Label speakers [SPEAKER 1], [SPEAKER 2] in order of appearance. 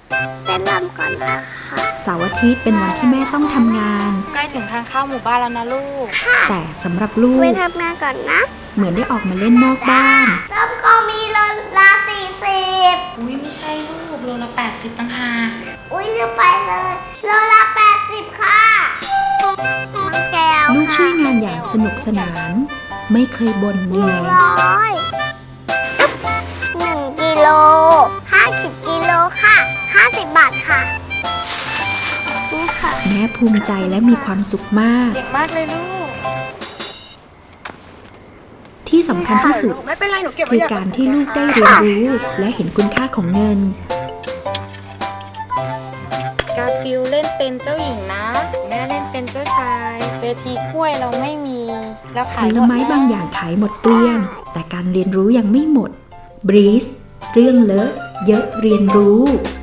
[SPEAKER 1] เต้นรำก่อนนะคะ
[SPEAKER 2] เสาร์อาทิตย์เป็นวันที่แม่ต้องทำงาน
[SPEAKER 3] ใกล้ถึงทางเข้าหมู่บ้านแล้วนะลูก
[SPEAKER 2] แต่สำหรับลูก
[SPEAKER 1] ไปทำงานก่อนนะ
[SPEAKER 2] เหมือนได้ออกมาเล่นนอกบ้าน
[SPEAKER 1] ส้มก็มีโลละ40
[SPEAKER 3] อุ้ยไม่ใช่ลูกโลละ80ตั้งหาก
[SPEAKER 1] อุ้ยลืมไปเลยโลละ80ค่ะน้องแก้ว
[SPEAKER 2] ลูกช่วยงานอย่างสนุกสนาน ไม่เคยบ่นเหนื่อย
[SPEAKER 1] 1กิโล50กิโลค่ะ50 บาทค่ะนี่ค่ะ
[SPEAKER 2] แม่ภูมิใจและมีความสุขมาก
[SPEAKER 3] เก่งมากเลยลูก
[SPEAKER 2] ที่สำคัญที่สุด
[SPEAKER 3] ไม่เป็นไรหนูเก็บไว้
[SPEAKER 2] คือการที่ลูกได้เรียนรู้และเห็นคุณค่าของเงิน
[SPEAKER 3] กาฟิลเล่นเป็นเจ้าหญิงนะ แม่เล่นเป็นเจ้าชายเวทีกล้วยเราไม่มีแล้ว
[SPEAKER 2] ผ
[SPEAKER 3] ขาย
[SPEAKER 2] ลไม้บางอย่างขายหมดเกลี้ยง แต่การเรียนรู้ยังไม่หมด บรีส เรื่องเลอะเยอะเรียนรู้